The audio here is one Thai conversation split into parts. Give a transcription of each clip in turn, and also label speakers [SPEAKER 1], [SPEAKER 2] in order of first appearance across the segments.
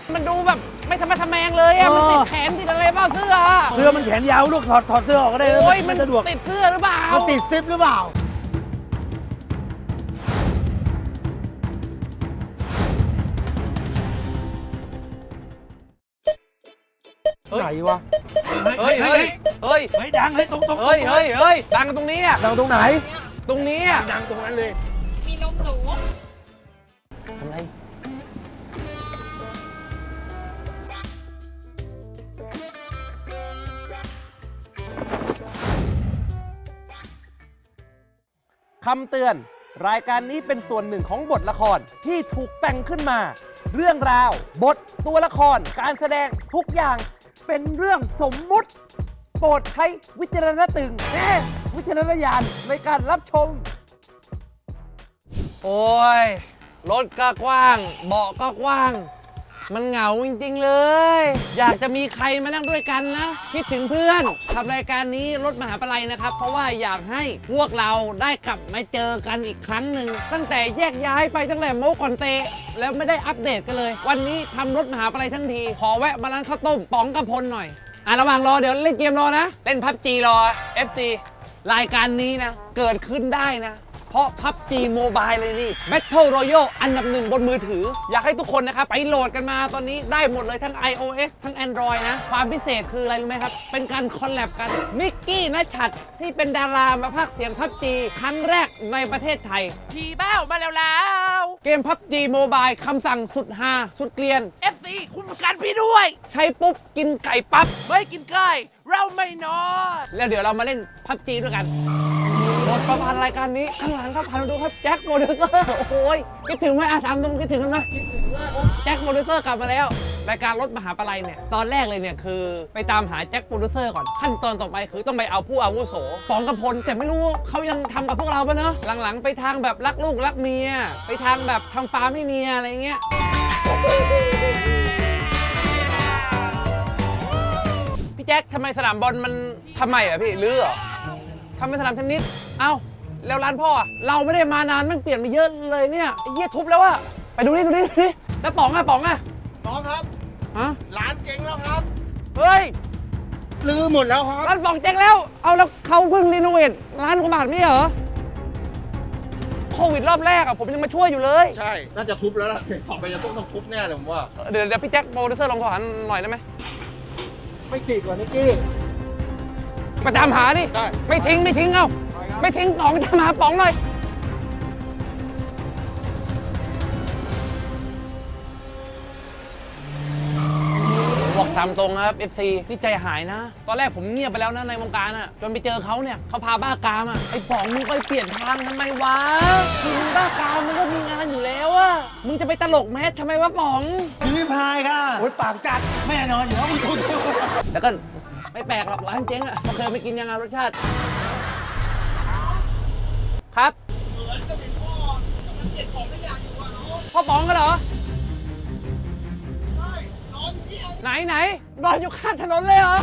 [SPEAKER 1] มันดูแบบไม่ทำไมทำแมงเลยอะมันติดแขนติดอะไรบ้างเสื้อ
[SPEAKER 2] มันแขนยาวลูกถอดเสื้อออกก็ได้
[SPEAKER 1] โอ้ยมัน
[SPEAKER 2] สะดวก
[SPEAKER 1] ติดเสื้อหรือเปล่า
[SPEAKER 2] มันติดซิปหรือเปล่าไหนวะ
[SPEAKER 1] เฮ้ย
[SPEAKER 2] ดังตรง
[SPEAKER 1] เฮ้ยดังตรงนี้อะ
[SPEAKER 2] ดังตรงไหน
[SPEAKER 1] ตรงนี้อะ
[SPEAKER 2] ดังตรงนั้นเลย
[SPEAKER 3] มีนมหนู
[SPEAKER 1] ทำไรคำเตือนรายการนี้เป็นส่วนหนึ่งของบทละครที่ถูกแต่งขึ้นมา เรื่องราว บทตัวละครการแสดงทุกอย่างเป็นเรื่องสมมุติ โปรดใช้วิจารณวิจารณญาณในการรับชม โอ้ย รถก็กว้าง เบาะก็กว้าง มันเหงาจริงๆเลย อยากจะมีใครมานั่งด้วยกันนะ คิดถึงเพื่อนทำรายการนี้รถมหาปลัยนะครับ เพราะว่าอยากให้พวกเราได้กลับมาเจอกันอีกครั้งหนึ่งตั้งแต่แยกย้ายไปตั้งแต่โมก่อนเตะแล้วไม่ได้อัปเดตกันเลย วันนี้ทำรถมหาปลัยทั้งทีขอแวะมาร้านข้าวต้มป๋องกระพลหน่อยระหว่างรอเดี๋ยวเล่นเกมรอนะ เล่นพับจีรอ FC รายการนี้นะเกิดขึ้นได้นะเพราะ PUBG Mobile เลยนี่ Battle Royale อันดับหนึ่งบนมือถือ อยากให้ทุกคนนะครับไปโหลดกันมาตอนนี้ได้หมดเลยทั้ง iOS ทั้ง Android นะ ความพิเศษคืออะไรรู้ไหมครับ เป็นการคอลแลบกันมิกกี้ณชัดที่เป็นดารามาพากย์เสียง PUBG ครั้งแรกในประเทศไทยทีเบ้ามาแล้วเกม PUBG Mobile คำสั่งสุดฮาสุดเกลียน FC คุณประกันพี่ด้วย ใช้ปุ๊บกินไก่ปั๊บไม่กินไก่เราไม่นอนแล้วเดี๋ยวเรามาเล่น PUBG ด้วยกันหมดประพันธ์รายการนี้ข้างหลังครับพันดูครับแจ็คโมเดลเซอร์โอ้ยคิดถึงไหมถามตรงคิดถึงกันไหมแจ็คโมเดลเซอร์กลับมาแล้วรายการรถมหาปลัยเนี่ยตอนแรกเลยเนี่ยคือไปตามหาแจ็คโมเดลเซอร์ก่อนขั้นตอนต่อไปคือต้องไปเอาผู้อาวุโสป๋องกำพลแต่ไม่รู้เขายังทำกับพวกเราปะเนอะหลังๆไปทางแบบรักลูกรักเมียไปทางแบบทำฟาร์มให้เมียอะไรเงี้ยพี่แจ็คทำไมสนามบอลมันทำไมอ่ะพี่ลื้อเหรอทำเป็นสนามเทนนิสเอ้าแล้วร้านพ่อเราไม่ได้มานานมันเปลี่ยนไปเยอะเลยเนี่ยไอ้เหี้ยทุบแล้วอะไปดูนี่แล้วป๋องอะ
[SPEAKER 2] น้องครับ
[SPEAKER 1] ฮะ
[SPEAKER 2] ร้านเจ๊งแล้วครับ
[SPEAKER 1] เฮ้ย
[SPEAKER 2] ลือหมดแล้วครับ
[SPEAKER 1] ร้านป๋องเจ๊งแล้วเอาแล้วเขาเพิ่งรีโนเวทร้านกว่าบาทไม่ใช่เหรอโควิดรอบแรกอะผมยังมาช่วยอยู่เลย
[SPEAKER 2] ใช่น่าจะทุบแล้วล่ะต่อไปจะต้องทุบแน่เลยผมว่า
[SPEAKER 1] เดี๋ยวพี่แจ็คโปรดิวเซอร์ลองโทรหาหน่อยได้ไหม
[SPEAKER 2] ไม่ติดกว่านิกกี้
[SPEAKER 1] มาตามหาดิ
[SPEAKER 2] ได้
[SPEAKER 1] ไม่ทิ้งเอ้าไม่ทิ้งป๋องตามหาป๋องหน่อยบอกตามตรงนะครับ FC นี่ใจหายนะ ตอนแรกผมเงียบไปแล้วนะในวงการอะจนไปเจอเขาเนี่ยเขาพาบ้ากามอะไอ้ป๋องมึงไปเปลี่ยนทางทำไมวะคือมึงบ้ากามมึงก็มีงานอยู่แล้วอะมึงจะไปตลกแมสทำไมวะป๋อง
[SPEAKER 2] พี่พายค่ะโอ๊ยปากจัดแม่นอนอยู่แล้วมึงดู
[SPEAKER 1] แล้วก็ไม่แปลกหรอกร้านเจ๊งอะเคยไปกินยังไงรสชาติครับพ่อป๋องกันเหรอไหนนอนอยู่ข้างถนนเลยเหรอ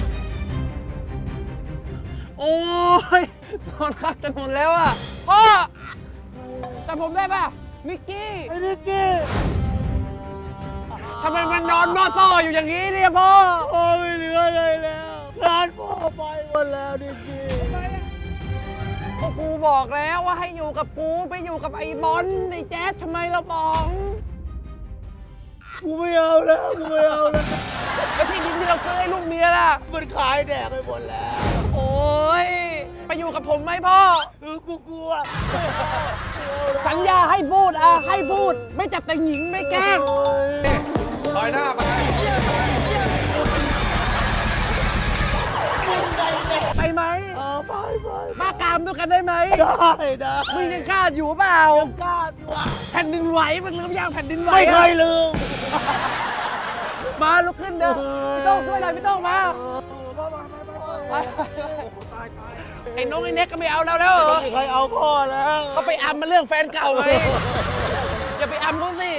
[SPEAKER 1] โอ้ยนอนข้างถนนแล้วอ่ะพ่อจำผมได้ป่ะนิกกี้
[SPEAKER 2] ไอ้นิกกี้
[SPEAKER 1] ทำไมมันนอนมอต้ออยู่อย่างนี้เนี่ยพ่อ
[SPEAKER 2] ไม่เหลืออะไรแล้วร้านพ่อไปหมดแล้วนิกกี้
[SPEAKER 1] ก็กูบอกแล้วว่าให้อยู่กับกูไปอยู่กับไอ้บอลไอ้แจ๊สทำไมเราป๋อง
[SPEAKER 2] กูไม่เอาแล้วแล้ว
[SPEAKER 1] ที่ดินที่เราซื้อให้ลูกเมียล่ะ
[SPEAKER 2] มันขายแดกไปหมดแล้ว
[SPEAKER 1] โอ้ยไปอยู่กับผมไหมพ่อ
[SPEAKER 2] กูกลัว
[SPEAKER 1] สัญญาให้พูดให้พูดไม่จับแต่หญิงไม่แกล้ง
[SPEAKER 2] ถอยหน้าไป
[SPEAKER 1] ไหม
[SPEAKER 2] ไป
[SPEAKER 1] มากามด้วยกันได้ไหม
[SPEAKER 2] ได้
[SPEAKER 1] มึงยังกล้าอยู่เปล่า
[SPEAKER 2] ยังกล้าสิวะ
[SPEAKER 1] แผ่นดินไหวมันลืมยังแผ่นดินไหว
[SPEAKER 2] ไม่เคยลืม
[SPEAKER 1] มาลุกขึ้นเด้อไม่ต้องช่วยเลยไม่ต้องมาไอ้น้องไอ้เน็กก็ไม่เอาแล้วเหรอ
[SPEAKER 2] ไม่เคยเอาพ่อแล้ว
[SPEAKER 1] เขาไปอัมมาเรื่องแฟนเก่าไหมอย่าไปอัมเขาสิ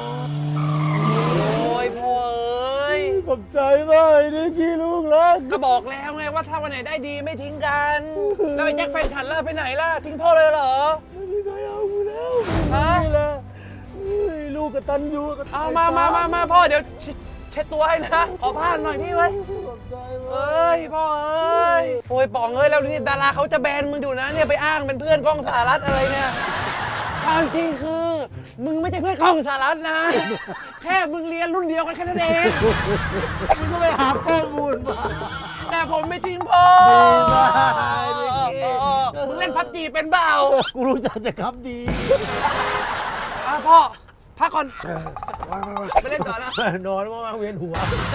[SPEAKER 1] โอ้ยพ่อ
[SPEAKER 2] ขอบใจมากนี่พี่ลูกรัก
[SPEAKER 1] ก็บอกแล้วไงว่าถ้าวันไหนได้ดีไม่ทิ้งกันแล้วไอ้แจ็คแฟนฉันล่ะไปไหนล่ะทิ้งพ่อเลยเหรอ
[SPEAKER 2] ไม่เคยเอาแล้วนี่แหละลูกกตัญญู
[SPEAKER 1] เอามาพ่อเดี๋ยวเช็ดตัวให้นะ ขอผ้าหน่อยพี่เว้ยเอ้ยพ่อเอ้ยโอ้ยป๋องเอ้ยแล้วนี่ดาราเขาจะแบนมึงอยู่นะเนี่ยไปอ้างเป็นเพื่อนกล้องสหรัฐอะไรเนี่ยความจริงคือมึงไม่ใช่เพื่อนกล้องสหรัฐนะ แค่มึงเรียนรุ่นเดียวกันแค่นั้นเอง
[SPEAKER 2] มึงก็ไปหาข้อมูลมา
[SPEAKER 1] แต่ผมไม่ทิ้งพ่อ
[SPEAKER 2] ดีมาก
[SPEAKER 1] มึงเล่นพับจีเป็นเปล่า
[SPEAKER 2] กูรู้จักแต่ครับดี
[SPEAKER 1] พ่อพักก่อนไม่เล่นต่อนะ
[SPEAKER 2] นอนว่างเวียนหัว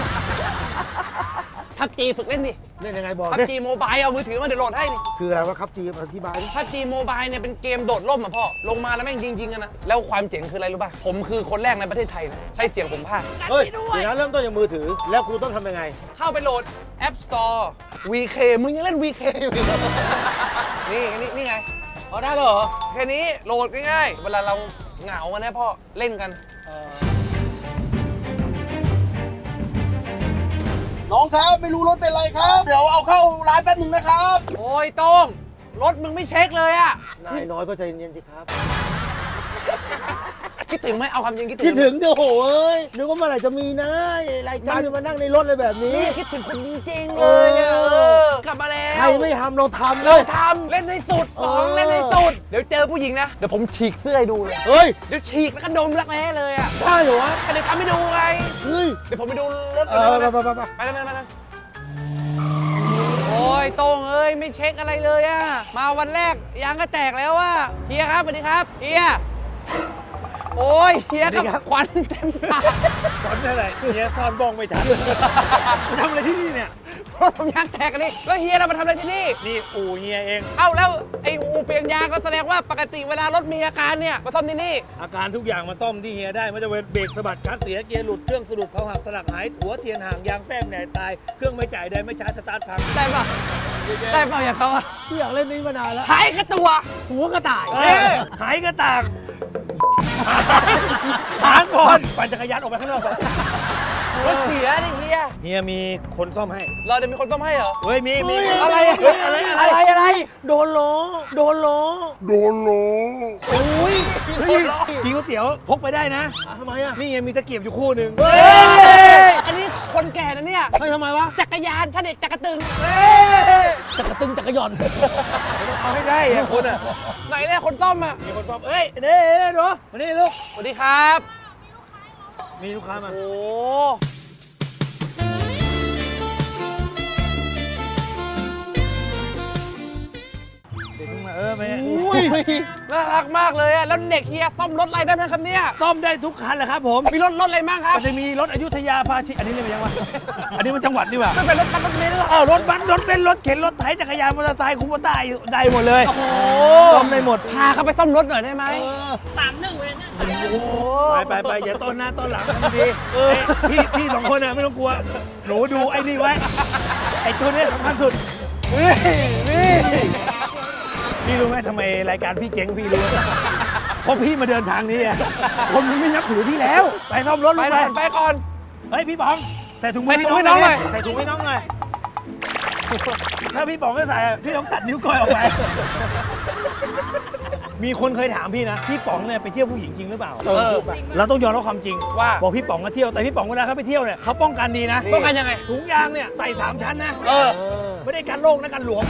[SPEAKER 1] พับจีฝึกเล่นดิ
[SPEAKER 2] เล่นยังไงบอก
[SPEAKER 1] พับจีโมบายเอามือถือมาเดี๋ยวโหลดให้นี่
[SPEAKER 2] คืออะไรวะครับจีอธิบายดิ
[SPEAKER 1] พับจีโมบายเนี่ยเป็นเกมโดดร่มอ่ะพ่อลงมาแล้วแม่งยิงกันนะแล้วความเจ๋งคืออะไรรู้ป่ะผมคือคนแรกในประเทศไทยนะใช้เสียงผมพากย์
[SPEAKER 2] เฮ้ยเดี๋ยวนะเริ่มต้นจากมือถือ แล้วกูต้องทำยังไง
[SPEAKER 1] เข้าไปโหลด App Store VK มึงยังเล่น VK อยู่อีกเหรอนี่ไง
[SPEAKER 2] พอได้เหรอ
[SPEAKER 1] แค่นี้โหลดง่ายๆเวลาเราเหงากันนะพ่อเล่นกัน
[SPEAKER 3] น้องครับไม่รู้รถเป็นไรครับ เดี๋ยวเอาเข้าร้านแป๊บหนึ่งนะครับ
[SPEAKER 1] โอ้ยโต้งรถมึงไม่เช็คเลยอะ
[SPEAKER 2] นายน้อยก็ใจเย็นสิครับ
[SPEAKER 1] คิดถึงไหมเอาความจริงคิด
[SPEAKER 2] คิด
[SPEAKER 1] ถึ
[SPEAKER 2] ถึ
[SPEAKER 1] ง
[SPEAKER 2] งเดี๋ยวโหเอ้ยนึกว่าเมื่อไหร่จะมีนะรายการจะมานั่งในรถเลยแบบนี้
[SPEAKER 1] นี่คิดถึงคุณจริงๆเลยอะ
[SPEAKER 2] เออ
[SPEAKER 1] กลับมาแล้ว
[SPEAKER 2] ใครไม่ทำเราทำเล
[SPEAKER 1] เรา
[SPEAKER 2] ย
[SPEAKER 1] ทำเล่นให้สุดป๋อง
[SPEAKER 2] เออ
[SPEAKER 1] เล่นให้สุดเดี๋ยวเจอผู้หญิงนะเดี๋ยวผมฉีกเสื้อให้ดูเลย
[SPEAKER 2] เฮ้ย
[SPEAKER 1] เดี๋ยวฉีกแล้วก็ดมรักแร้เลยอะ
[SPEAKER 2] ได้เหรอวะ
[SPEAKER 1] ก็เดี๋ยวทำให้ดูไง
[SPEAKER 2] เฮ้ย
[SPEAKER 1] เดี๋ยวผมไปดูรถ
[SPEAKER 2] เอ
[SPEAKER 1] ก่อน
[SPEAKER 2] อ
[SPEAKER 1] นะ
[SPEAKER 2] ไป
[SPEAKER 1] ไปเลยโอ้ยโต้งเอ้ยไม่เช็คอะไรเลยอะมาวันแรกยางก็แตกแล้วอะเฮียครับสวัสดีครับเฮียโอ้ยเฮียกับควันเต็มปาก
[SPEAKER 2] สอนอะไรเฮียซ่อนบ้องไม่ทันทำอะไรที่นี่เนี่ย
[SPEAKER 1] รถผมยางแตกกันนี่แล้วเฮียเรามาทำอะไรที่นี่
[SPEAKER 2] นี่อู่เฮียเอง
[SPEAKER 1] เอ้าแล้วไอ้อูเปลี่ยนยางก็แสดงว่าปกติเวลารถมีอาการเนี่ยมาซ่อมที่นี่
[SPEAKER 4] อาการทุกอย่างมาซ่อมที่เฮียได้ไม่ว่าจะเป็นเบรกสะบัดคลัตช์เสียเกียร์หลุดเครื่องสรุปเขาหักสลักหายหัวเทียนห่างยางแป้งแหน่ตายเครื่องไม่จ่ายได้ไม่ชาร์จสตาร์ทพัง
[SPEAKER 1] ได้ป่ะได้ป่ะอย่างเขาอะ
[SPEAKER 2] กูอยากเล่นนี้มานานแล้ว
[SPEAKER 1] หายกระตัว
[SPEAKER 2] หัวกระต่าย
[SPEAKER 4] หายกระตากหางก่อนปั่นจักรยานออกไปข้างนอกไป
[SPEAKER 1] รถเสียนี่เฮีย
[SPEAKER 4] เฮียมีคนซ่อมให้
[SPEAKER 1] เราจะมีคนซ่อมให้เหรอ
[SPEAKER 4] เฮ้ยมี
[SPEAKER 1] อะไรอะ
[SPEAKER 4] เฮ้ยอะไร
[SPEAKER 1] อะไร
[SPEAKER 2] โดนล้อโดนล้อ
[SPEAKER 1] โอ้ย
[SPEAKER 4] เฮ้ยกินก๋วยเตี๋ยวพกไปได้นะ
[SPEAKER 2] ทำไมอ่ะ
[SPEAKER 4] นี่ไงมีตะเกียบอยู่คู่หนึ่ง
[SPEAKER 1] เฮ้ยอันนี้คนแก่นะเนี่ย
[SPEAKER 2] เฮ้ยทำไมวะ
[SPEAKER 1] จักรยานถ้าเด็กจักรตึง
[SPEAKER 2] จักรตึงจักรยอน
[SPEAKER 4] เอาให้ได้อะคุณอะ
[SPEAKER 1] ไหนเนี่ยคนซ่อมอะ
[SPEAKER 4] มีคนซ่อมเอ้ยเด้ดูมานี่ลูก
[SPEAKER 1] สวัสดีครับ
[SPEAKER 4] มีลูกค้ามา
[SPEAKER 1] โอ้
[SPEAKER 4] เด็กเพิ่งมาไป
[SPEAKER 2] อุ้ย
[SPEAKER 1] น่ารักมากเลยอะแล้วเด็กเฮียซ่อมรถอะไรได้ไหมครับเนี่ย
[SPEAKER 4] ซ่อมได้ทุกคันแหละครับผม
[SPEAKER 1] มีรถอะไรบ้างครับ
[SPEAKER 4] มันจะมีรถอยุธยาพาชิอันนี้เรียกว่ายังวะ อันนี้มันจังหวัดนี่หว่า
[SPEAKER 1] ไม่เป็นรถบัสรถเมล์หรอ
[SPEAKER 4] อ้าวรถบัสรถเบนซ์รถเข็นรถไถจักรยานมอเตอร์ไซค์คูโบต้าได้หมดเลย
[SPEAKER 1] โอ้โห
[SPEAKER 4] ซ่อมได้หมด
[SPEAKER 1] พาเขาไปซ่อมรถหน่อยได้ไหม
[SPEAKER 5] 31เลยนะ
[SPEAKER 1] โอ้โห
[SPEAKER 4] ไปอย่าต้นหน้าต้นหลังทำดีพี่สองคนน่ะไม่ต้องกลัว หนูดูไอ้นี่ไว้ ไอ้ตัวเนี้ยสำคัญสุดพี่รู้ไหมทำไมรายการพี่เจ๊งพี่รู้ไหมเพราะพี่มาเดินทางนี้อะคนมันไม่นับถือพี่แล้ว ไปซ่อมรถ
[SPEAKER 1] ไป
[SPEAKER 4] ลูก
[SPEAKER 1] ก่อนไปก่อน
[SPEAKER 4] เฮ้ยพี่ป๋องใส่ถุงมือ
[SPEAKER 1] ใส่ถุงให้น้องหน่อย
[SPEAKER 4] ใส่ถุงให้น้องหน่อยถ้าพี่ป๋องไม่ใส่อะพี่ต้องตัดนิ้วก้อยออกไป มีคนเคยถามพี่นะพี่ป๋องเนี่ยไปเที่ยวผู้หญิงจริงหรือเปล่า เราต้องยอมรับความจริง
[SPEAKER 1] ว่า
[SPEAKER 4] บอกพี่ป๋องมาเที่ยวแต่พี่ป๋องเวลาเขาไปเที่ยวเนี่ยเขาป้องกันดีนะ
[SPEAKER 1] ป้องกันยังไง
[SPEAKER 4] ถุงยางเนี่ยใส่3ชั้นนะ
[SPEAKER 1] เออ
[SPEAKER 4] ไม่ได้กันโรคนะกันหลวม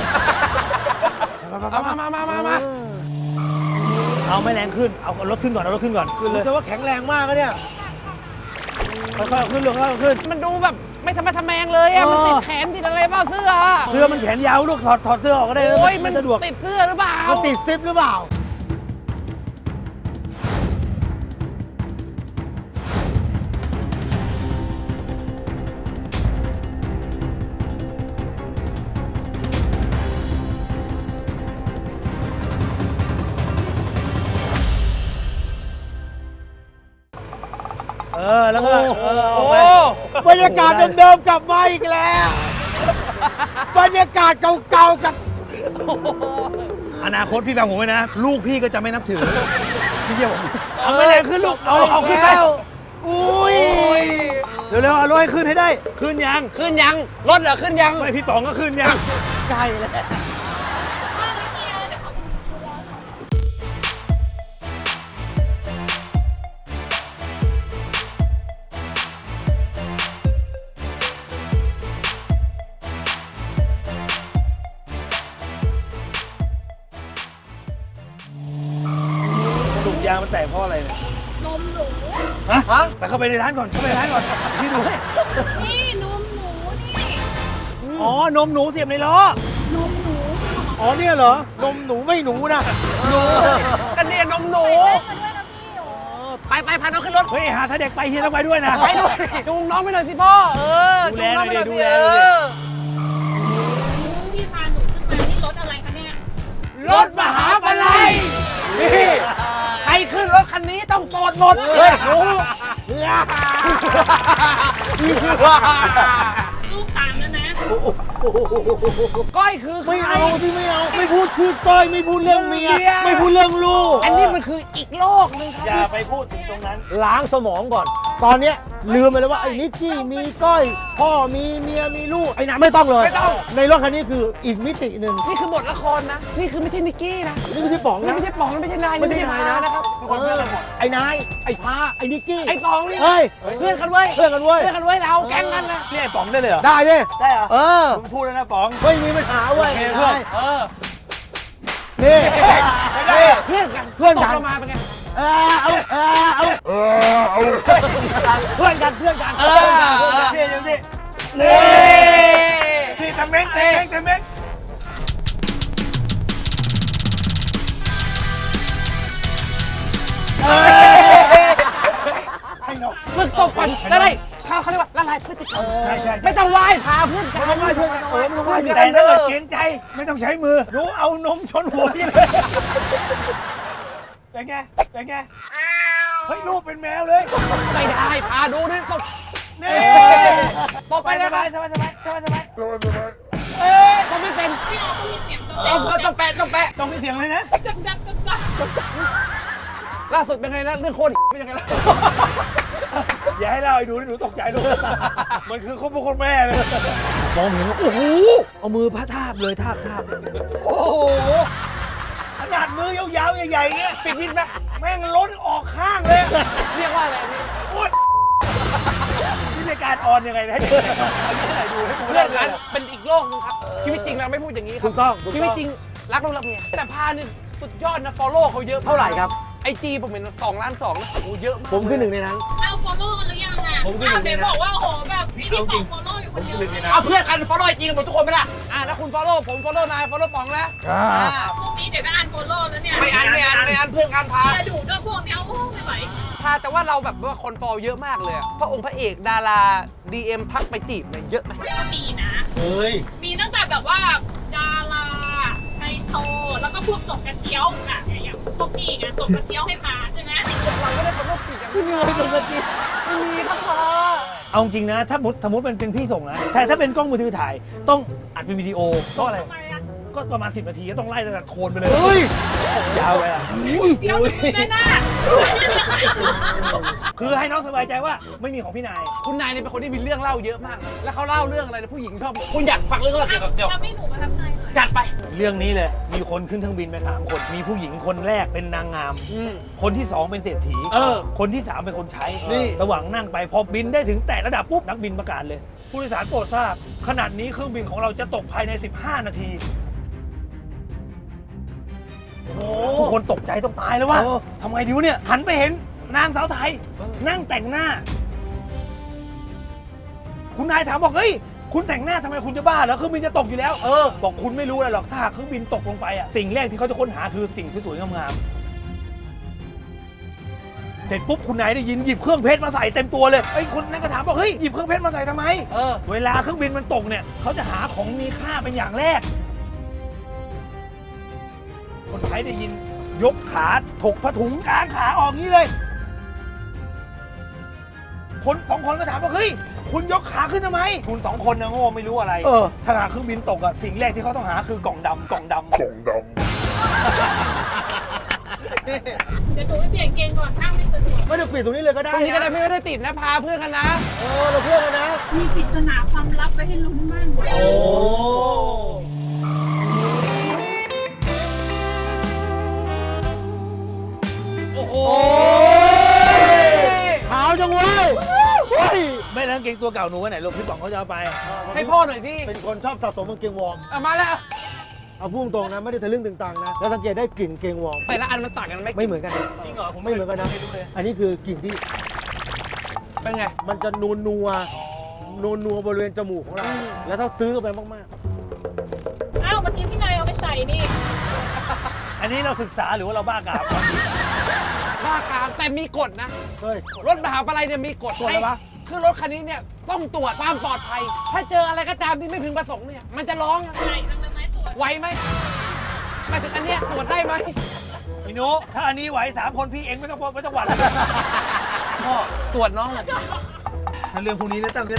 [SPEAKER 1] เอามา
[SPEAKER 4] เอาไม่แรงขึ้นเอารถขึ้นก่อนเอารถขึ้นก่อนขึ้นเลย
[SPEAKER 2] จะว่าแข็งแรงมากอะเนี่ย
[SPEAKER 4] ค่อยๆเอาขึ้นลงค่อยๆเอาขึ้น
[SPEAKER 1] มันดูแบบไม่ทำแมงเลยอะมันติดแขนติดอะไรเปล่าเสื้ออะ
[SPEAKER 4] เสื้อมันแขนยาวลูกถอดเสื้อออกก็ได้
[SPEAKER 1] โอ้ย
[SPEAKER 4] มันสะดวก
[SPEAKER 1] ติดเสื้อหรือเปล่า
[SPEAKER 2] มันติดซิปหรือเปล่า
[SPEAKER 4] แล้วก็เอา
[SPEAKER 1] โอ้
[SPEAKER 4] ไป
[SPEAKER 2] บรรยากาศเดิมๆกลับมาอีกแล้ว บรรยากาศเก่าๆกับ
[SPEAKER 4] อนาคตพี่ฟังผมไว้นะ ลูกพี่ก็จะไม่นับถือพี่เยี่ยมเอาไม่แรงขึ้นลูกเอาขึ้นไป
[SPEAKER 2] อุ้ย
[SPEAKER 4] เร็วๆเอารถให้ขึ้นให้ได้ ขึ้นยัง
[SPEAKER 1] ขึ้นยังรถเหรอขึ้นยัง
[SPEAKER 4] ไม่พี่ป๋องก็ขึ้นยัง
[SPEAKER 2] ใกล้แล้ว
[SPEAKER 5] ว่าแล้วเฮียเดี๋ยวเขาดูแลหน่อย
[SPEAKER 1] โ
[SPEAKER 4] างมันแตกเพราะอะไรเนี่ย
[SPEAKER 5] นมหนู
[SPEAKER 1] ฮะ
[SPEAKER 4] ไปเข้าไปในร้านก่อนเข้าไปในร้านก่อนพี่ดูให้
[SPEAKER 5] นี่นมหนูนี่
[SPEAKER 4] อ๋อนมหนูเสียบในล้อน
[SPEAKER 5] มหนู
[SPEAKER 2] อ๋อเนี่ยเหรอ นมหนูไม่หนูนะ
[SPEAKER 1] กันเนี่ยนมหนู
[SPEAKER 5] มาด้วยนะพี่โอ้
[SPEAKER 1] ไปพาน้องขึ้นรถ
[SPEAKER 4] เฮ้ยหาถ้าเด็กไปเฮียต้องไปด้วยนะ
[SPEAKER 1] ไปด้วยจูงน้องไปหน่อยสิพ่อ เออ
[SPEAKER 4] ดู
[SPEAKER 1] จู
[SPEAKER 4] แล
[SPEAKER 1] งน้องไปหน่อย
[SPEAKER 4] ดู
[SPEAKER 1] สิ
[SPEAKER 4] แล
[SPEAKER 1] เอ
[SPEAKER 4] ดูแล
[SPEAKER 1] อ
[SPEAKER 5] พี่พาหนูขึ้นมานี่รถอะไรคะเนี่ย
[SPEAKER 1] รถมหาปลัยนี่ใครขึ้นรถคันนี้ต้องโสดหมด
[SPEAKER 2] เฮ้ย
[SPEAKER 1] รู้
[SPEAKER 5] ลูกสามแล้วนะ
[SPEAKER 1] ก้อยคือใคร
[SPEAKER 2] ไม่เอาที่ไม่เอา ไม่พูดชื่อก้อยไม่พูดเรื่องเมีย ไม่พูดเรื่องลูก
[SPEAKER 1] อันนี้มันคืออีกโลกหนึงค
[SPEAKER 4] อย่า
[SPEAKER 1] รับ
[SPEAKER 4] ไปพูดถึงตรงนั้น
[SPEAKER 2] ล้างสมองก่อน ตอนเนี้ยลืมไปเลยว่าไอ้นิกกี้มีก้อย พ่อมีเมียมีลูกไอ้น่ะไม่ต้องเลย
[SPEAKER 1] ไม่ต้อง
[SPEAKER 2] ในรถคันนี้คืออีกมิติหนึ่ง
[SPEAKER 1] นี่คือบทละครนะ นี่คือไม่ใช่นิกกี้นะ
[SPEAKER 2] นี่ไม่ใช่ป๋อง
[SPEAKER 1] นี่
[SPEAKER 2] นะ
[SPEAKER 1] ไม่ใช่ป๋องนี่ไม่ใช่นาย
[SPEAKER 2] ไม่ใช่นายนะ
[SPEAKER 1] นะครับ
[SPEAKER 4] ทุกคนเพื่อนกันหมด
[SPEAKER 2] ไอ้นาย ไอ้พาไอ้นิกกี้
[SPEAKER 1] ไอ้ป๋อง
[SPEAKER 2] เฮ้ย
[SPEAKER 1] เพื่อนกันเว้ย
[SPEAKER 2] เพื่อนกันเว้ย
[SPEAKER 1] เพื่อนกันเว้ยเราแก๊งกันนะ
[SPEAKER 4] นี่ไอ้ป๋องได้เลยเหรอ
[SPEAKER 2] ได้ดิ
[SPEAKER 4] ได้เหรอ
[SPEAKER 2] เออ
[SPEAKER 4] มึงพูดแล้วนะป๋อง
[SPEAKER 2] ไม่มีปัญหาเว้ย
[SPEAKER 4] โอเคเพื่อน
[SPEAKER 1] เออ
[SPEAKER 2] นี่
[SPEAKER 1] นี่เพื่อนกัน
[SPEAKER 2] เพื่อนกัน
[SPEAKER 1] ตกลงมาเป็นไง
[SPEAKER 2] เพื่อนกันเพื่อนกัน
[SPEAKER 1] เออ
[SPEAKER 4] เท่ยังสินี่ที่ทำเม้งทำเม้งทำเม้งให้นก
[SPEAKER 1] ฝึกตบก่อนจะได้เขาเรียกว่าละลายพฤติกรรม
[SPEAKER 4] ใช่ใช่
[SPEAKER 1] ไม่ต้องไหว้พาเพื่อนกัน
[SPEAKER 2] ไม่ต้องไหว้เพื่อนกันไม่ต้องไหว้
[SPEAKER 4] แต่ถ้าเกิดเกรงใจไม่ต้องใช้มือหนูเอานมชนหัวพี่เลยเป็นไงเป็นไงเฮ้ยลูกเป็นแมวเลย
[SPEAKER 1] ไม่ได้พาดูนี่ตบ
[SPEAKER 4] นี่
[SPEAKER 1] ตบไป
[SPEAKER 4] ส
[SPEAKER 1] ได้ไหม
[SPEAKER 4] บายสบายสบายสบายสบาย
[SPEAKER 1] ตบไม่เป็น
[SPEAKER 5] พี่เราต้องมีเสียงจับ
[SPEAKER 1] ต้องแปะต้องแปะ
[SPEAKER 4] ต้องมีเสียงเลยนะ
[SPEAKER 5] จับจับจับจับ
[SPEAKER 1] ล่าสุดเป็นไงนะเรื่องโคตรเป็นยังไงล่ะ
[SPEAKER 4] อย่าให้เล่าไอ้ดูนี่หนูตกใจลูกมันคือคนพ่อคนแม่เลย
[SPEAKER 2] มองเห็นว่าโอ้โหเอามือพระทาบเลยทาบ
[SPEAKER 4] โอ้โหขนาดมือยาวๆใหญ่ๆเงี้ย
[SPEAKER 1] ปิดมิดไหม
[SPEAKER 4] แม่งล้นออกข้างเลย
[SPEAKER 1] เรียกว่าอะไรพี่
[SPEAKER 4] โอ๊ยนี่รายการออนยังไงนะให้เด็กเอาที่ไหนดูให้กู
[SPEAKER 1] เพื่อนกันเป็นอีกโลกนึงครับ ชีวิตจริงเราไม่พูดอย่างนี้ค
[SPEAKER 2] ถู
[SPEAKER 1] รับ
[SPEAKER 2] กต้องถูก
[SPEAKER 1] ชี
[SPEAKER 2] ต้
[SPEAKER 1] วิต
[SPEAKER 2] อง
[SPEAKER 1] จริงรักลูกรักเมียแต่พานี่สุดยอดนะ follow เขาเยอะ
[SPEAKER 2] เท่าไหร่ครับ
[SPEAKER 1] ไอจีผมเห็น2 ล้าน 2นะโอ้เยอะมาก
[SPEAKER 2] ผมคือหนึ่งในนั้น
[SPEAKER 5] เอาฟอลโล่กันหรือยังอ่ะเดี๋ยวบอกว่าโอ้โหแบบพี่ป๋องฟอลโล่อยู่คนเดียว
[SPEAKER 1] เอาเพื่อนกัน follow ไอจีกันหมดทุกคนไหมล่ะถ้าคุณ follow ผม follow นาย follow ป๋องนะ
[SPEAKER 5] พวกนี้เดี๋ยวก็อ่านฟอลโล่แล้วเนี่ย
[SPEAKER 1] ไม่อ่านเพื่อนกันพา
[SPEAKER 5] แต่ดูด้วยพวกนี้โอ้ไม่ไหว
[SPEAKER 1] พาแต่ว่าเราแบบว่าคน follow เยอะมากเลยอะพระองค์พระเอกดารา DM ทักไปจีบเนี่ยเยอะไหม
[SPEAKER 5] ก็มีนะ
[SPEAKER 4] เฮ้ย
[SPEAKER 5] มีตั้งแต่แบบว่าดาราไฮโซแล้วก็พวกส่งกระเจียวอ่ะอย่างพวกพี่ไงส่งกระเจียวให้พาใช่ไหม
[SPEAKER 1] เราไม่ได้คนโรคจิตอย่างที่มีตรงกระจีไม่มีครับพอ
[SPEAKER 4] เอาจริงนะถ้าสมมติมันเป็นพี่ส่งนะแต่ถ้าเป็นกล้องมือถือถ่ายต้องอัดเป็นวิดีโอก็อะไร
[SPEAKER 5] ทำไมอ่ะ
[SPEAKER 4] ก็ประมาณ10 นาทีก็ต้องไล่ตั้งแต่โคนไปเลย
[SPEAKER 2] เฮ้ย
[SPEAKER 4] ยาวไปอ่ะ
[SPEAKER 5] เจียวแม่น่า
[SPEAKER 4] คือให้น้องสบายใจว่าไม่มีของพี่นาย
[SPEAKER 1] คุณนายเนี่ยเป็นคนที่มีเรื่องเล่าเยอะมาก แล้วเขาเล่าเรื่องอะไรนะผู้หญิงชอบ คุณอยากฟังเรื่องอะไรเกี่ยวกับเกี่ยว
[SPEAKER 5] ทำให้หนูประทับใจหน่อย
[SPEAKER 1] จัดไป
[SPEAKER 4] เรื่องนี้เลยมีคนขึ้นเครื่องบินไป3 คนมีผู้หญิงคนแรกเป็นนางงาม คนที่ 2 เป็นเศรษฐี คนที่ 3 เป็นคนใช้
[SPEAKER 2] นี่
[SPEAKER 4] ระหว่างนั่งไปพอบินได้ถึงแต่ระดับปุ๊บนักบินประกาศเลย ผู้โดยสารโปรดทราบขนาดนี้เครื่องบินของเราจะตกภายใน 15 นาที ทุกคนตกใจต้องตายแล้วว่าทำไงดีวะเนี่ย หันไปเห็นนางสาวไทย นั่งแต่งหน้า คุณนายถามบอกเฮ้ยคุณแต่งหน้าทำไมคุณจะบ้าเหรอเครื่องบินจะตกอยู่แล้วบอกคุณไม่รู้อะไรหรอกถ้าหากเครื่องบินตกลงไปอ่ะสิ่งแรกที่เขาจะค้นหาคือสิ่งสวยๆงามๆเสร็จปุ๊บคุณนายได้ยินหยิบเครื่องเพชรมาใส่เต็มตัวเลยไอ้ยคนนั้นก็ถามบอกเฮ้ยหยิบเครื่องเพชรมาใส่ทำไมเวลาเครื่องบินมันตกเนี่ยเขาจะหาของมีค่าเป็นอย่างแรก คนใช้ได้ยินยกขาถกผ้าถุงกลางขาออกงี้เลย คน2 คนก็ถามว่าเฮ้ยคุณยกขาขึ้นทำไม คุณ2 คนนะโง่ไม่รู้อะไรถ้าหากเครื่องบินตกอะสิ่งแรกที่เขาต้องหาคือกล่องดำ
[SPEAKER 5] เดี๋ยวหนูไปเปลี่ยนเกงก่อนนั่งไม่สะดวก
[SPEAKER 2] ไม่ต้องปิดตรงนี้เลยก็ได้
[SPEAKER 1] ตรงนี้ก็ได้
[SPEAKER 2] นะ
[SPEAKER 1] ไม่ได้ติดนะ พาเพื่อนกันนะ
[SPEAKER 2] เราเพื่อนกันนะ
[SPEAKER 5] มีปริศนาความลับไว้ให้ลุ้นบ้าง
[SPEAKER 1] โอ้โห
[SPEAKER 2] ขาวจังเว้ยเฮ้ย
[SPEAKER 4] ไม่แล้วกางเกงตัวเก่าหนูไว้ไหนลูกพี่ป๋องเขาจะเอาไป
[SPEAKER 1] ให้พ่อหน่อยที่
[SPEAKER 2] เป็นคนชอบสะสมกางเกงวอร์ม
[SPEAKER 1] มาแล้ว
[SPEAKER 2] เอาเอาพูดตรงนะไม่ได้ทะลึ่งตึงตังนะแล้วสังเกตได้กลิ่นเกงวอร์ม
[SPEAKER 1] แต่ละอันมันต่างกันไหม
[SPEAKER 2] ไม่เหมือนกันนะ
[SPEAKER 4] จริงเหรอผม
[SPEAKER 2] ไม่เหมือนกันนะ
[SPEAKER 4] ไม่รู้เลย
[SPEAKER 2] อันนี้คือกลิ่นที่
[SPEAKER 1] เป็นไง
[SPEAKER 2] มันจะนัวบริเวณจมูกของเรา แล้วถ้าซื้อไปมาก
[SPEAKER 5] อ้าวเมื่อกี้พี่นายเอาไปใส่นี่
[SPEAKER 4] อันนี้เราศึกษาหรือว่าเราบ้ากาม
[SPEAKER 1] บ้ากามแต่มีกฎนะ
[SPEAKER 2] ๆเฮ้ย
[SPEAKER 1] รถมหาปลัยเนี่ยมีกฎ
[SPEAKER 2] กฎอะไรวะ
[SPEAKER 1] คือรถคันนี้เนี่ยต้องตรวจความปลอดภัย ถ้าเจออะไรก็ตามที่ไม่พึงประสงค์เนี่ยมันจะร้อง
[SPEAKER 5] ใส่ตั้งแต่ไม้ตรวจ
[SPEAKER 1] ไหวไหมหมายถึงอันเนี้ยตรวจได้ไหม
[SPEAKER 4] พี่นุถ้าอันนี้ไหว3 คนพี่เองไม่ต้องหวั่น
[SPEAKER 1] พ่อตรวจน้องหน่อย
[SPEAKER 4] ถ้าเรื่องพวกนี้เนี่ยตั้ง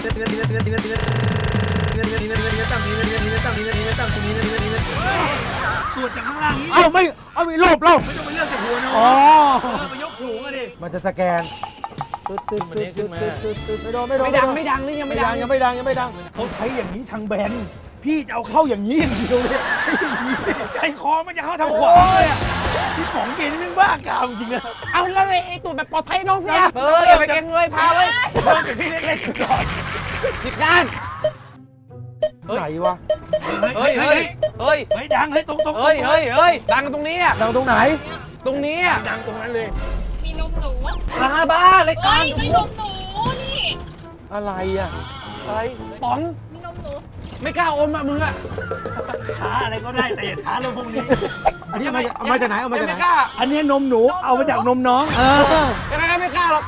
[SPEAKER 4] ตรวจจากข้างล่างนี้
[SPEAKER 2] เอาไม่รูปเรา
[SPEAKER 4] ไม่ต้องไปเลือกจากหัวเนาะ
[SPEAKER 2] อ๋อ
[SPEAKER 4] ไปยกสูงอะดิ
[SPEAKER 2] มันจะสแกนตึ๊ดไม่โดน
[SPEAKER 1] ไม่ดังนี่ยัง
[SPEAKER 2] ไม่
[SPEAKER 1] ไม่
[SPEAKER 2] ดั
[SPEAKER 1] ดั
[SPEAKER 2] ง
[SPEAKER 1] ง
[SPEAKER 2] ยังไม่ดัง
[SPEAKER 4] เขาใช้อย่างนี้ทางแบนพี่จะเอาเข้าอย่างนี้อย่างเดียวเลยใจคอมันจะเข้าทางขวาเลยอ่ะพี่ป๋องเกณฑ์นี่มันบ้ากามจริงอะ
[SPEAKER 1] เอาแล้วไอ้ตรวจแบบปลอดภัยน้องเสียอย่าไปเก่งเลยพาเลย
[SPEAKER 4] เริ่มจากพี่เล็กๆก่อน
[SPEAKER 1] ผิดด้าน
[SPEAKER 2] ไหนวะ
[SPEAKER 1] เฮ้ย
[SPEAKER 4] ดังตรง
[SPEAKER 1] ดังตรงนี้เนี่ย
[SPEAKER 2] ดังตรงไหน
[SPEAKER 1] ตรงนี้อ่ะ
[SPEAKER 4] ดังตรงนั้นเลย
[SPEAKER 5] มีนมหนู
[SPEAKER 1] พาบ้าเลย
[SPEAKER 5] เฮ้
[SPEAKER 1] การ
[SPEAKER 5] ยไม่นมหนูนี่
[SPEAKER 2] อะไรอ่ะ
[SPEAKER 1] อะไรป๋อง
[SPEAKER 5] มีนมหนู
[SPEAKER 1] ไม่กล้าอมอ่ะมึงอ่ะ
[SPEAKER 4] ท้าอะไรก็ได้แต่อย่าท้าเรื่องพวกนี้
[SPEAKER 2] อันนี้เอามาจากไหนเอามาจากไหน
[SPEAKER 1] ไม่กล้า
[SPEAKER 4] อันนี้นมหนูเอามาจากนมน้อง
[SPEAKER 1] ยังไงก็ไม่กล้าหรอก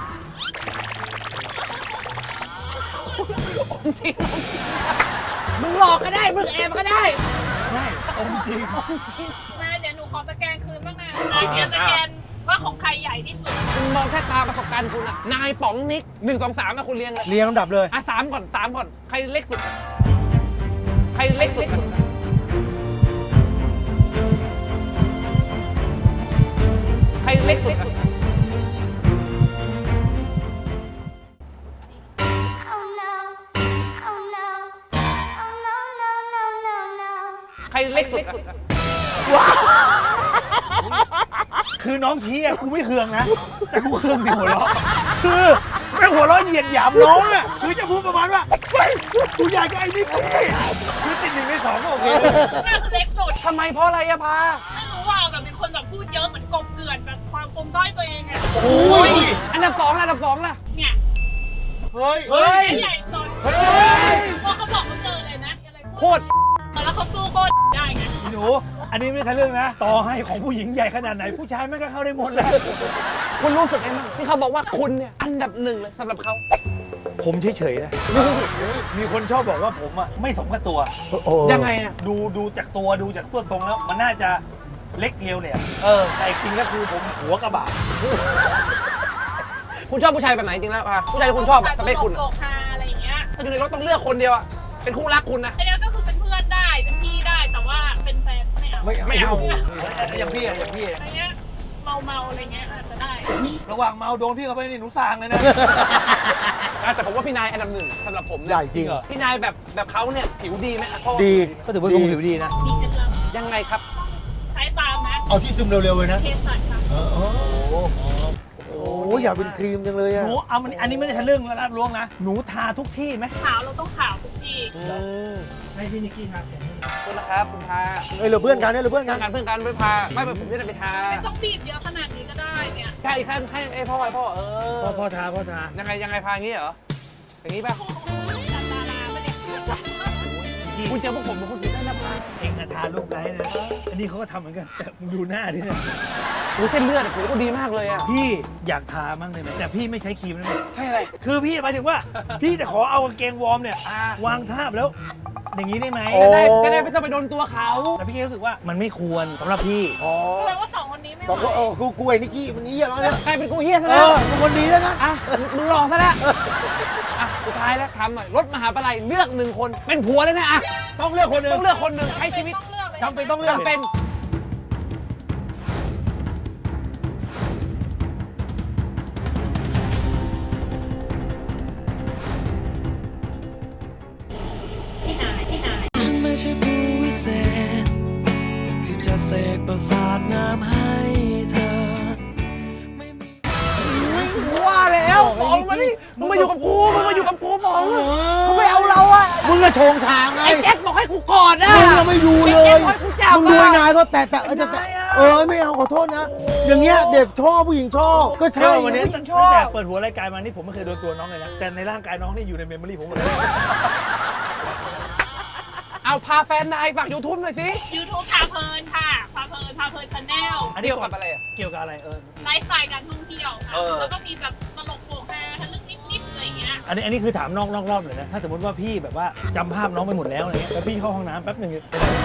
[SPEAKER 1] อมจริงมึงหลอกก็ได้มึงแอบก็ได้
[SPEAKER 4] ใช่อมจริง
[SPEAKER 5] มาเดี๋ยวหนูขอสแกนคืนบ้างนะเดี๋ยวสแกนว่าของใครใหญ่ที่สุด
[SPEAKER 1] คุณมองแค่ตาประสบการณ์คุณอะนายป๋องนิก1 2 3นะคุณเรียงเลย
[SPEAKER 2] เรียงลำดับเลย
[SPEAKER 1] อ่ะ3ก่อนใครเล็กสุด ใครเล็กสุด ใครเล็กสุด
[SPEAKER 6] Oh no. Oh no. Oh no, no, no, no, no.
[SPEAKER 1] ใครเล็กสุดอะ
[SPEAKER 4] คือน้องชี้อะกูไม่เคืองนะ แต่กูเคืองสิหัวเราะคือไม่หัวเราะเหยียดหยามน้องอะคือจะพูดประมาณว่าเฮ้ยกูอยากกับไอ้นี่พี่คือติด1 ใน 2ก็โอเค
[SPEAKER 5] น่าจะเล็กสุด
[SPEAKER 1] ทำไมเพราะอะไรอะพา
[SPEAKER 5] ไม่รู้ว่ากับเป็นคนแบบพูดเยอะเหมือนกบเกลื่อนแบบความปมด้อยตัวเองอะ
[SPEAKER 1] โอ้ยอันดับ2ล่ะ
[SPEAKER 5] เนี่ย
[SPEAKER 2] เฮ้ย
[SPEAKER 5] ใหญ่สุดพอเขาบอกเขาเจอเลยนะอะไร
[SPEAKER 1] โคตร
[SPEAKER 5] แล้วเขาสู้โคตรได้ไง
[SPEAKER 4] พี่หนูอันนี้ไม่ใช่เรื่องนะ ต่อให้ของผู้หญิงใหญ่ขนาดไหนผู้ชายแม่งก็เข้าได้หมดแหละ
[SPEAKER 1] คุณรู้สึกไงบ้างที่เขาบอกว่าคุณเนี่ยอันดับ1เลยสำหรับเขา
[SPEAKER 4] ผมเฉยๆนะ มีคนชอบบอกว่าผมอะไม่สมกับตัว
[SPEAKER 1] ยังไงอะ
[SPEAKER 4] ดูจากตัวดูจากส่วนทรงแล้วมันน่าจะเล็กเรียวเลยอะ แต่จริงก็คือผมหัวกระบะ
[SPEAKER 1] คุณชอบผู้ชายแบบไหนจริงแล้วพาผู้ชายที่คุณชอบอะสเปคคุณ
[SPEAKER 5] โล
[SPEAKER 1] อะ
[SPEAKER 5] กฮาอะไรอย่างเงี้ย
[SPEAKER 1] ถ้าอยู่ในรถต้องเลือกคนเดียวอะเป็นคู่รักคุณนะ
[SPEAKER 5] ไอ้เนี้ยก็คือเป็นเพื่อนได้เป็นพี่ได้แต่ว่าเป็นแฟนไม่เอา
[SPEAKER 1] ไม่เอา
[SPEAKER 4] อย่างพี่อะ
[SPEAKER 5] อะไรเงี้ยเมาอะไรเงี้ยอาจจะได้
[SPEAKER 4] ระหว่างเมาโดนพี่เข้าไปนี่หนูสางเลยนะ
[SPEAKER 1] แต่ผมว่าพี่นายอันดับ1สำหรับผม
[SPEAKER 2] ใหญ่
[SPEAKER 1] เนี่ย
[SPEAKER 2] จริงเหรอ
[SPEAKER 1] พี่นายแบบเขาเนี่ยผิวดีไหมอะพ่อ
[SPEAKER 2] ดี
[SPEAKER 4] ก็ถือว่าลุงผิวดีนะ
[SPEAKER 5] มีเคล็ดลับ
[SPEAKER 1] ยังไงครับ
[SPEAKER 5] ใช้ตามนะ
[SPEAKER 3] เอาที่ซึมเร็วๆเลยนะ
[SPEAKER 5] เคสัตค่ะ
[SPEAKER 2] โอ้ยอยากเป็นครีมจังเลย
[SPEAKER 4] ห
[SPEAKER 2] อ่ะ
[SPEAKER 4] นูเอามันอันนี้ไม่ได้ทะลึ่งแล้วรับล้วงนะ หนูทาทุกที่ไหม
[SPEAKER 5] ขาวเราต้องขาวทุกที
[SPEAKER 4] ให้พี่นิกกี้ทาเสร็จ
[SPEAKER 1] ขอบคุณนะครับคุณพา
[SPEAKER 2] เฮ้ยเราเพื่อนกันเนี่ยเราเพื่อนกัน
[SPEAKER 1] เพื่อนกันไปพาไม่ไปผมจะได้ไปทา
[SPEAKER 5] ไม่ต้องบีบเยอะขนาดนี้ก็ได้เนี่ย
[SPEAKER 1] ใช่อีกขั้นให้ไอ้พ่อเออ
[SPEAKER 4] พ่อทา
[SPEAKER 1] ยังไงพาอย่างงี้เหรออย่างงี้ป่ะ
[SPEAKER 5] ตัดดาราไม่ได้
[SPEAKER 1] คุณเจอพวกผมเป็นคนผิดได้นะพา
[SPEAKER 4] เองอะทาลูกไกด์นะ อันนี้เขาก็ทำเหมือนกัน แต่มึงดูหน้าดิเนี่ย
[SPEAKER 1] โอ้เส้นเลือดผมก็ดีมากเลยอ่ะ
[SPEAKER 4] พี่อยากทามั่งเลยไหมแต่พี่ไม่ใช้ครีมนะเนี่ย
[SPEAKER 1] ใช่อะไร
[SPEAKER 4] คือพี่หมายถึงว่า พี่จะขอเอากางเกงวอร์มเนี่ย วางทาบแล้ว อย่างนี้ได้ไหม
[SPEAKER 1] จะได้ไม่ต้องไปโดนตัวเขา
[SPEAKER 4] แต่พี่รู้สึกว่ามันไม่ควรสำหรับพี่
[SPEAKER 2] อ๋อ
[SPEAKER 5] แสดงว่าสองคนนี้ไม่
[SPEAKER 2] สองคนกูไอ้นิกกี้มันนี้อย่างนั้นเนี่ย
[SPEAKER 1] ใครเป็นกูเฮียซะ
[SPEAKER 2] เอ
[SPEAKER 1] แล้ว
[SPEAKER 2] อเป็นคนดีแล้วนะ
[SPEAKER 1] อ่ะมึงหลอกซะแล้วอ่ะสุดท้ายแล้วทำหน่อยรถมหาปลัยเลือก1 คนเป็นผัวเลยนะอ่ะ
[SPEAKER 2] ต้องเลือกคนหนึ่ง
[SPEAKER 1] ต้องเลือกคนหนึ่งใช้ชีวิต
[SPEAKER 5] ต้องเลือกเลย
[SPEAKER 2] จำเป็นต้องเลือก
[SPEAKER 1] จำเป็น
[SPEAKER 5] ที่ไหน
[SPEAKER 7] ฉันไม่ใช่ผู้วิเศษ ที่จะเสกประสาทน้ำให้เธอ ไม่มี
[SPEAKER 1] ว่าแล้วป๋องมาดิมึงมาอยู่กับกูป๋องเขาไม่เอาเราอ่ะ
[SPEAKER 2] มึงก็โชงชางไง
[SPEAKER 1] ไอ้แจ็คบอกให้กูกอดอ่ะ
[SPEAKER 2] มึงก็ไม่ดูเลย
[SPEAKER 1] ไอ้แจ็คบอกให้กูจับ
[SPEAKER 2] มึงดู
[SPEAKER 1] อะ
[SPEAKER 2] ไอ้นายก็แต่ไม่เอาขอโทษนะ อย่างเงี้ยเด็กชอบผู้หญิงชอบก็ใช่
[SPEAKER 4] วันนี้
[SPEAKER 2] ผู้หญิ
[SPEAKER 4] ตั้
[SPEAKER 2] ง
[SPEAKER 4] ง
[SPEAKER 2] ชอบ
[SPEAKER 4] แต่เปิดหัวรายการมานี่ผมไม่เคยโดนตัวน้องเลยนะ แต่ในร่างกายน้องนี่อยู่ในเมมโมรี่ผมหมดเลย
[SPEAKER 1] เอาพาแฟนนายฝาก YouTube หน่อยสิ
[SPEAKER 5] YouTube พาเพลินค่ะพาเพลินชาแนล
[SPEAKER 1] เกี่ยวกับอะไรอ่ะ
[SPEAKER 4] เกี่ยวกับอะไร
[SPEAKER 5] ไลฟ์สไตล์การท่องเที่ยวค่ะ
[SPEAKER 1] เออ
[SPEAKER 5] แล้วก็มีแบบตลกโปกฮาทะลึ่งนิดๆอะไรอย่างเงี้ย
[SPEAKER 4] อันนี้คือถามนอกรอบเลยนะ ถ้าสมมติว่าพี่แบบว่าจำภาพน้องไปหมดแล้วอะไรเงี้ยแล้วพี่เข้าห้องน้ำแป๊บหนึ่ง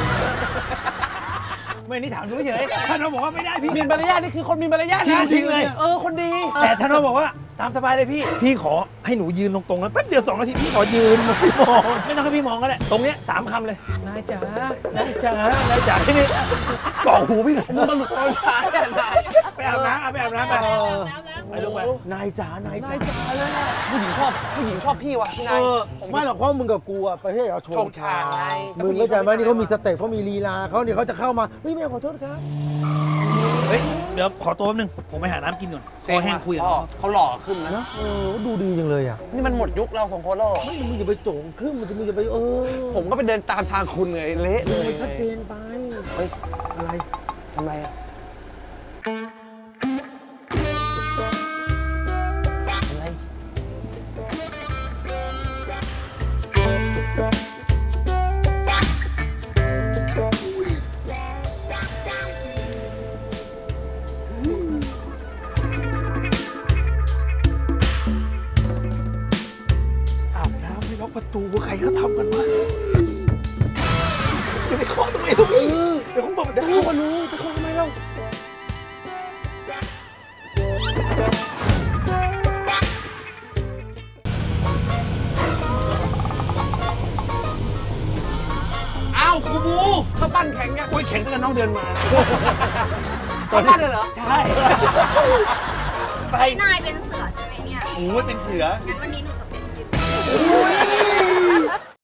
[SPEAKER 4] ไม่นี่ถามดูเฉยถ้าน้องบอกว่าไม่ได้พี่
[SPEAKER 1] มีมารยาทนี่คือคนมีมารยาทนะ
[SPEAKER 4] จริงเลย
[SPEAKER 1] คนดี
[SPEAKER 4] แต่ถ้าน้องบอกว่าตามสบายเลยพี่ขอให้หนูยืนตรงๆแล้วแป๊บเดียว2 นาทีพี่ขอยืนไม่มองไม่ต้องให้พี่มองก็ได้ตรงเนี้ย3 คำเลยนายจ๋านายจ๋านายจ๋าที่นี่เกาะหูพี่หน่อย
[SPEAKER 1] มึงมาหลุดโอนช้าเนี่ยนาย
[SPEAKER 4] ไปอาบน้ำไปอาบน้ำไป
[SPEAKER 5] แล้ว
[SPEAKER 4] ไปลูกไป
[SPEAKER 2] นายจ๋านายจ๋า
[SPEAKER 1] จ๋าเลยอะผู้หญิงชอบพี่วะพี่นายผม
[SPEAKER 2] ไม่หรอกเพราะมึงกับกูอะประเทศเราโช
[SPEAKER 1] โช
[SPEAKER 2] ง
[SPEAKER 1] ง
[SPEAKER 2] ชา
[SPEAKER 1] ชางไง
[SPEAKER 2] มึงเข้าใจไหมนี่เขามีสเต็ปเขามีลีลาเขาเนี่ยเขาจะเข้ามาเฮ้ยแม่ขอโทษครับ
[SPEAKER 4] เฮ้ยเดี๋ยวขอตัวแป๊บนึงผมไปหาน้ำกินก่อนคอแห้งคุยกับ
[SPEAKER 1] พ่อ
[SPEAKER 4] น้อง
[SPEAKER 1] เขาหล่อขึ้นนะ
[SPEAKER 2] นะดูดีจังเลยอ่ะ
[SPEAKER 1] นี่มันหมดยุคเราสองคนแล้ว
[SPEAKER 2] ไม่มึงอย่าไปโจงครึ่งมึงจะไป
[SPEAKER 1] ผมก็ไปเดินตามทางคุณไงเละเลย
[SPEAKER 2] มันชัดเจนไปเฮ้ยอะไร
[SPEAKER 1] ทำไรอ่ะอะไร
[SPEAKER 4] อาบน้ำไม่ล็อกประตูใครเขาทำกันวะจะไปเคาะทำไมตรงนี้เดี๋ยวผมบอกประตูมารู้ไปเคาะทำไมเล่า
[SPEAKER 1] อ้าวครูบูเขาปั้นแข็งยัง
[SPEAKER 4] โอ้ยแข็งตั้งแต่น้องเดินมา
[SPEAKER 1] เขาปั้นเลยเหรอ
[SPEAKER 4] ใช่ไป
[SPEAKER 6] นายเป็นเสือใช่ไหมเนี่ย
[SPEAKER 4] โอ้ยเป็นเสือ
[SPEAKER 6] งั้นวันนี้หนูจะเป็น